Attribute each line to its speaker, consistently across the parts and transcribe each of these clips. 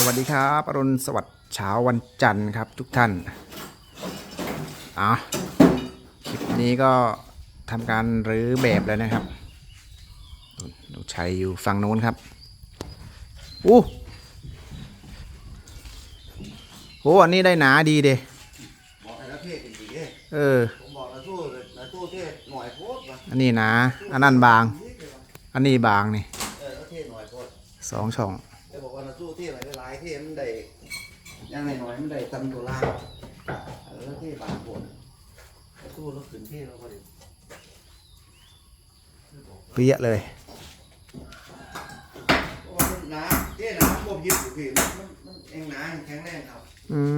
Speaker 1: วัสดีครับอรุณสวัสดิ์เช้าวันจันทร์ครับทุกท่านคลิปนี้ก็ทำการรื้อแบบแล้วนะครับดูชัยอยู่ฝั่งโน้นครับโหอันนี้ได้หนาดีเด้
Speaker 2: บอกให้ละเทศจริงๆเด้ผมบอกละตู้เทศหน่อยโพดว่ะ
Speaker 1: อันนี้หนาอันนั้นบางอันนี้บางนี่
Speaker 2: ละเทศหน่อยโพด
Speaker 1: 2 ช่อง
Speaker 2: แต่บอกว่าละตู้เทศหลายๆเทศมันได้ยังหน่อยมันได้ตำตัวล่างละเทศบางโพดละตู้ละขืนเทศเราก็ได้
Speaker 1: เปี้ยเลย
Speaker 2: เพราะว่ามันหนาเทศหนาพวกยึดอยู่พี่มันเองหนาแข็งแรงครับ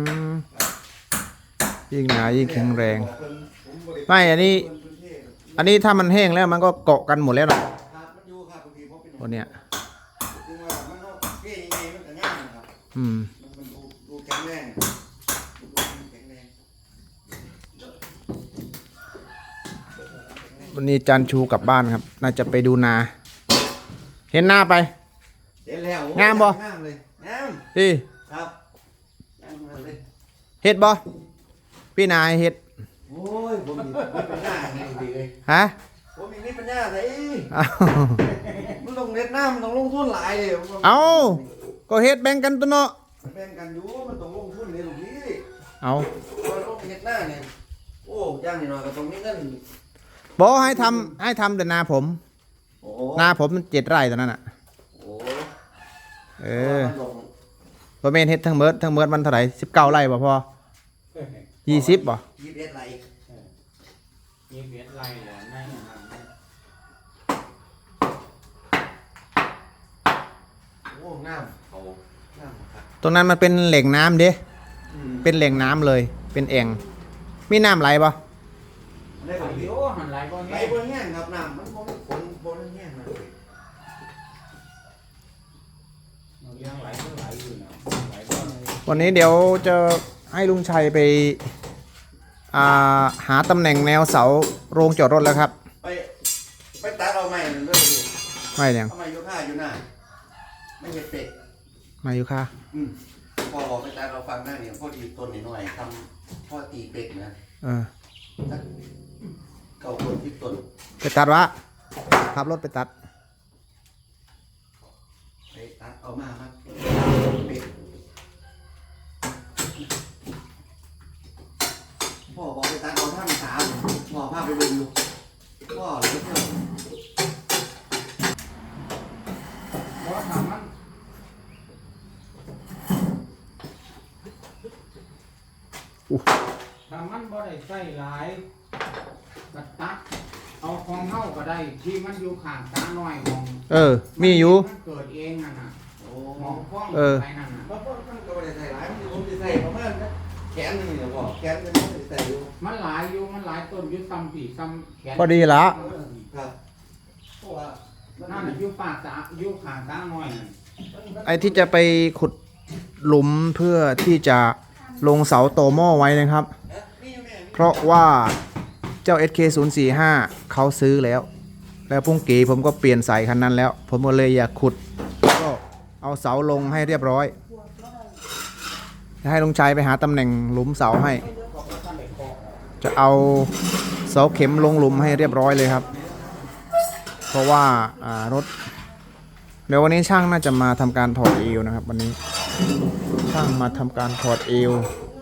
Speaker 1: ยิ่งหนายิ่งแข็งแรงไม่อันนี้ถ้ามันแห้งแล้วมันก็เกาะกันหมดแล้วนะตัวเนี้ย
Speaker 2: ดูแข็งแรง
Speaker 1: วันนี้จันชูกลับบ้านครับน่าจะไปดูนาเห็นหน้าไป
Speaker 2: เห็นแล้ว
Speaker 1: งามบ่
Speaker 2: งามเลยงาม
Speaker 1: พี่
Speaker 2: ครับงามเลย
Speaker 1: เห็ดบ่พี่นายเห็ด
Speaker 2: โอ้ยผมมีปัญญาไงดีเลย
Speaker 1: ฮะ
Speaker 2: ผมมีปัญญาเลยมันลงเน็ตหน้ามันต้องลงทุนหลายเลย
Speaker 1: เอาก็เห็ดแบ่งกันตัวเนาะ
Speaker 2: แบ่งกันอยู่มันต้องลงทุนเลยลูกพี่
Speaker 1: เอา
Speaker 2: ลงเน็ตหน้าเนี่ยโอ้ย่างนี่หน่อยก็ต้องมีเงิน
Speaker 1: บอกให้ทำแต่นาผมนาผมมัน7 ไร่ตอนนั้นอ่ะพอเมนเฮ็ดทั้งเมิดมันเท่าไหร่19 ไร่บ่พอ20บ่
Speaker 2: 21 ไร่
Speaker 3: 21 ไร่เหรอไม่
Speaker 2: โอ้น้ำเขาน้ำครับ
Speaker 1: ตรงนั้นมันเป็นแหล่งน้ำเด้เป็นแหล่งน้ำเลยเป็นแอ่งมีน้ำไหลบ่
Speaker 2: ได้บ่พี่
Speaker 3: โอ้หันไหลบ่
Speaker 2: ไหลบ่แห้งครับน้ำมันบ่ฝนแห้งนะ
Speaker 3: ยังไหลก็ไหลอยู่นะไหลบ่
Speaker 1: วันนี้เดี๋ยวจะให้ลุงชัยไปหาตำแหน่งแนวเสาโรงจอดรถแล้วครับ
Speaker 2: ไปตัดเอาใหม่เลย
Speaker 1: ไม่ยัง
Speaker 2: เอาใหม่อยู่ข้าอยู่หน้าไม่เห็ดเป็ด
Speaker 1: มาอยู่ค่ะ
Speaker 2: พอบอกไปตัดเราฟังหน้าเนี่ยพอดีต้นหน่อยทำพ่อตีเป็ดนะเก่าคนที่ต้น
Speaker 1: ไปตัดวะขับรถไปตัด
Speaker 2: เอามาเป็ดพ่อบอกไปตัดเอาท่าน3พ่อพาไปดูอยู่พ่อเลยเพื่อน
Speaker 3: บ่ทำมันทำมันบ่ได้ใส่หลายกระตักเอาของเฮาก็ได้ที่มันอยู่ข้างตาน้อยของ
Speaker 1: มีอยู่
Speaker 3: มันเกิดเองนั่นน่ะมองฟ้องไปนั่นน่ะ
Speaker 2: เพราะมันก็ไม่ได้ใส่หลายมันผมจะใส่ประมาณแขนนึงเนี่ยพ่อแขนมันไม่ใส่อยู่
Speaker 3: มันหลายอยู่มันหลายต้นอยู่ซ้ำปีซ้ำแขน
Speaker 1: พอดีละ
Speaker 2: ครับเพราะว่า
Speaker 3: นั่นน่ะอยู่ป่าตาอยู่ข้างตาน้อยนั่น
Speaker 1: ไอ้ที่จะไปขุดหลุมเพื่อที่จะลงเสาโตหม้อไว้นะครับเพราะว่าเจ้า SK045 เขาซื้อแล้วพุ่งกีผมก็เปลี่ยนสายคันนั้นแล้วผมก็เลยอยากขุดก็เอาเสาลงให้เรียบร้อยจะให้ลุงชัยไปหาตำแหน่งหลุมเสาให้จะเอาเสาเข็มลงหลุมให้เรียบร้อยเลยครับเพราะว่ารถเดี๋ยววันนี้ช่างน่าจะมาทำการถอดเอวนะครับวันนี้ช่างมาทำการถอดเอว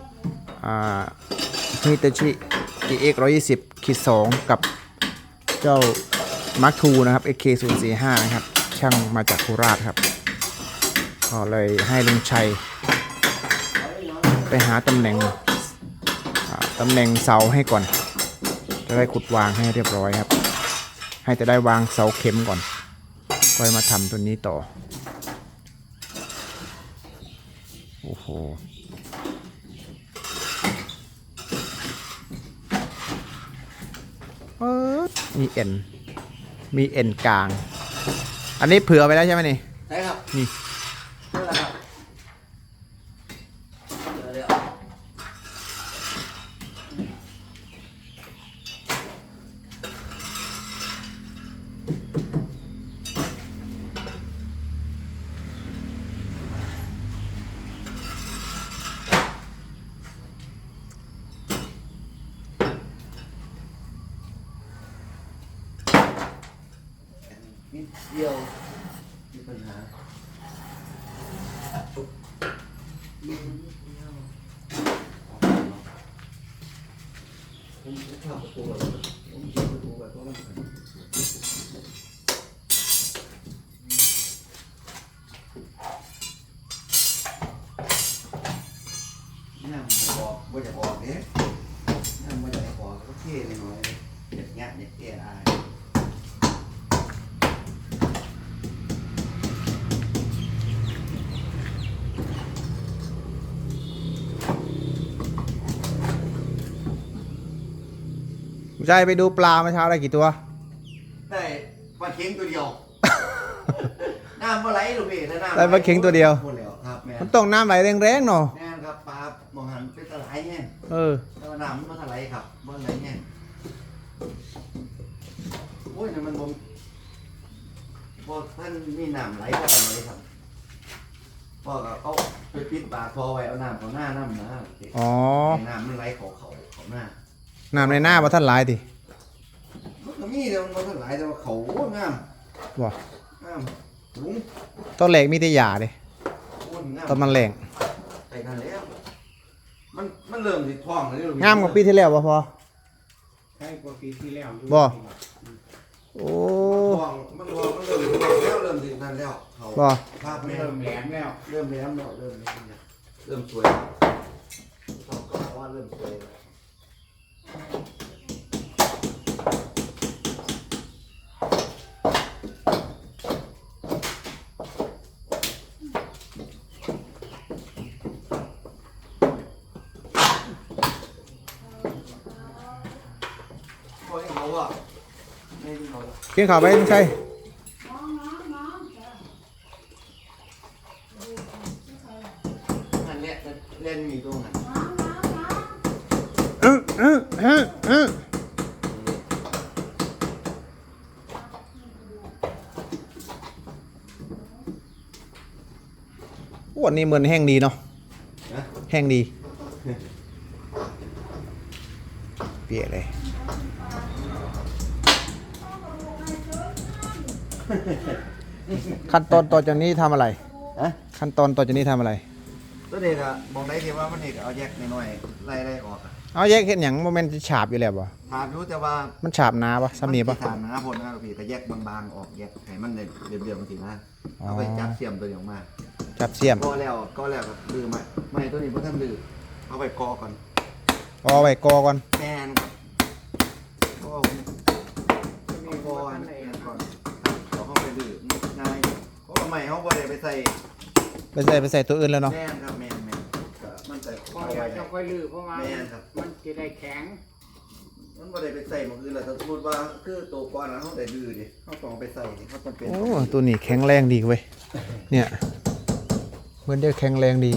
Speaker 1: ฮิตาชิ GX 120-2 กับเจ้า Mark II นะครับ SK045 นะครับช่างมาจากโคราชครับก็เลยให้ลุงชัยไปหาตำแหน่งเสาให้ก่อนจะได้ขุดวางให้เรียบร้อยครับให้จะได้วางเสาเข็มก่อนค่อยมาทำตัวนี้ต่อโอ้โหมีเอ็นกลางอันนี้เผื่อไปแล้วใช่ไหมนี่
Speaker 2: ใช่ครับ
Speaker 1: นี่
Speaker 2: นั่นแหละครับนิดเดียวมีปัญหาผมจะทำประตูแบบผมเขียนประตูแบบว่ามันน้ำบอกว่าจะบอกเนี่ยน้ำว่าจะบอกก็เท่หน่อยเด็กเงี้ยเด็กเตี้ยอาย
Speaker 1: ใจไปดูปลาเมื่อเช้าได้กี่ตัว
Speaker 2: ได้ปลาเค็งตัวเดียว น้ำปลาไหลลูกพี่ถ้าน้ำ
Speaker 1: ได้ปลาเค็งตัวเดียว
Speaker 2: หมดแล้วครับแม่
Speaker 1: มันต้องน้ำไหลแรงๆเนาะ
Speaker 2: แม่นครับปลามองหันเป็นตะไลแห้ง
Speaker 1: เออ
Speaker 2: แต่ว่าน้ำมันตะไลครับบ่ไหลแห้งโอ้ยนี่มันบ่ท่านมีน้ำไหลเข้าไปเลยครับพ่อก็เอาไปปิดปากคอไว้เอาน้ำเขาหน้าน้ำนะ
Speaker 1: อ๋อ
Speaker 2: ให้น้ำมันไหลเขาหน้า
Speaker 1: น้ำในหน้าบ่ท่านหลายติ
Speaker 2: มันก็มีแต่มันบ่ทันไหลแต่ว่าเขางาม
Speaker 1: บ่
Speaker 2: งามลุง
Speaker 1: ต้นแหลกมีแต่หญ้าดิ
Speaker 2: โอ้ยงาม
Speaker 1: ต้นมันแหลง
Speaker 2: ไปกันแล้วมันเริ่มสิท้องแล้วลูก
Speaker 1: งามกว่าปีที่แล้วบ่พอ
Speaker 3: ใช่กว่าปีที่แล้วอยู่
Speaker 1: บ่ โอ้
Speaker 2: มันเริ่มแล้วเริ่มสินั่นแล้วเขา
Speaker 1: บ่
Speaker 2: ภาพแม่
Speaker 3: เริ่มแหลมแล้ว
Speaker 2: เริ่มแล้วเนาะเริ่มสวยเขาก็บอกว่าเริ่มสวยแล้วโอ้ยเขาอ่ะไม่เขา
Speaker 1: กินข้าวไปไม่ใช่
Speaker 2: อันเนี้ยเล่นมีตรงไหน
Speaker 1: วันนี้เหมือนแห้งดีเนาะ
Speaker 2: นะ
Speaker 1: แห้งดี เปียกเลย ขั้นตอนต่อจากนี้ทำอะไร
Speaker 2: ฮะ
Speaker 1: ขั้นตอนต่อจากนี้ทำอะไร
Speaker 2: ตัวเด็กอะมองได้ที่ว่ามันเด็กเอาแยกน้อยๆไล่ออกอะ
Speaker 1: เอาแยกเห็นอย่างโมเมนต์ฉาบอยู่แล้วบ่
Speaker 2: ถามรู้แต่ว่า
Speaker 1: มันฉาบหนาปะซ้ำนี่ปะ
Speaker 2: ถามนะพลนะครับพี่แต่แยกบางๆออกแยกให้มันเรียบๆบางทีนะ
Speaker 1: อ๋อ
Speaker 2: เอาไปจับเสียมตัวนี้ออกมา
Speaker 1: จับเสียม
Speaker 2: ก็แล้วครับลืมไม่ตัวนี้เพิ่งทำลืมเอาไปกอก่อน
Speaker 1: เอาไว้กอก่อน
Speaker 2: แมนครับก็มีกออันนี้ก่อนเอาเข้าไปลืมง่ายเพราะว่าไม่เขาบ่ได้ไปใส่
Speaker 1: ไปใส่ตัวอื่นแล้วเนาะ
Speaker 2: แมนครับแมนก็มันใส่
Speaker 3: พอ
Speaker 2: เอา
Speaker 3: เดี๋ย
Speaker 2: ไว้
Speaker 3: วจะค่อยลื้อเพราะว่า
Speaker 2: แม่นครับ
Speaker 3: มันจะได้แข็ง
Speaker 2: มันบ่ได้ไปใส่หมองอื่นแล้วถ้าสมมติว่าคือตัวก้อนแล้วเขาได้ดื้อดิเขาต้องเอาไปใส่ดิเขาต้องเป็น
Speaker 1: โอ้ตัวนี้แข็งแรงดีเว้ยเนี่ยเหมือนเดียวแข็งแรงดี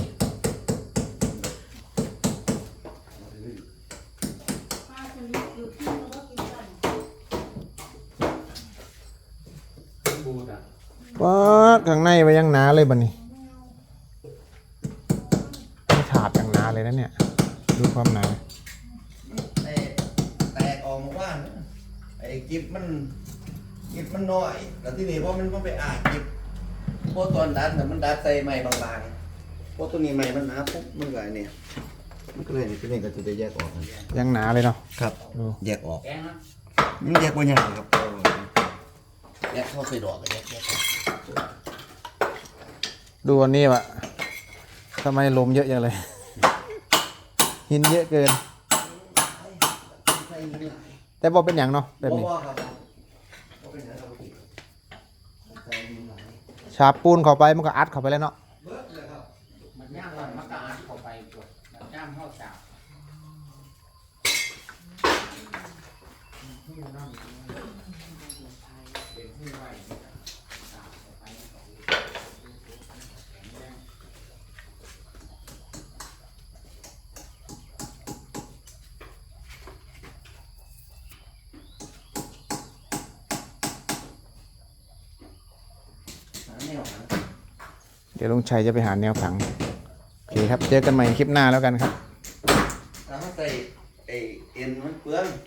Speaker 3: บูดอ่ะ
Speaker 1: ว้าข้างในไปยังหนาเลยบัดนี้ไม่ฉาบอย่างหนาเลยนะเนี่ยดูความหนา
Speaker 2: แตกออกมาว่านะไอ้กิบมันน้อยแล้วที่นี่เพราะมันไปอ่านกิบพวกตอนดัดน่ะมันดัดใส่ไม้บางๆพวกตัวนี้ไม้มันหนาปุ๊บมันก็ไอ้เนี่ยมันก็เลยนี่ตัวนี้ก็จะแยกออกกัน
Speaker 1: ยังหนาเลยเนาะ
Speaker 2: ครับ
Speaker 1: ดู
Speaker 2: แยกออก
Speaker 3: แข็งนะ
Speaker 2: มันแยกบ่ยากครับแยกเข้าไปดอกก็แยกออก
Speaker 1: ดูอันนี้วะทำไมลมเยอะจังเลย หินเยอะเกิน
Speaker 2: ใส่หินหลาย
Speaker 1: แต่บอกเป็นอย่างเนาะแบบนี้
Speaker 2: บ่ครับบ่เป็นหยังครับพี่ใส่หินหลาย
Speaker 1: ฉาบปูนเข้าไปมันก็อัดเข้าไปแล้วเนาะ
Speaker 2: เบิดเลยครับ
Speaker 3: มันย่างมันก็อัดเข้าไปกดมันย่างเข้าสาวเป็นผู้ไว้สาวเข้าไปแข็งแรง
Speaker 2: หาแนวหา
Speaker 1: เดี๋ยวลุงชัยจะไปหาแนวขังโอเคครับเจอกันใหม่คลิปหน้าแล้วกันครับ
Speaker 2: ถ้าใส่ไอ้เอ็นมันเปลือง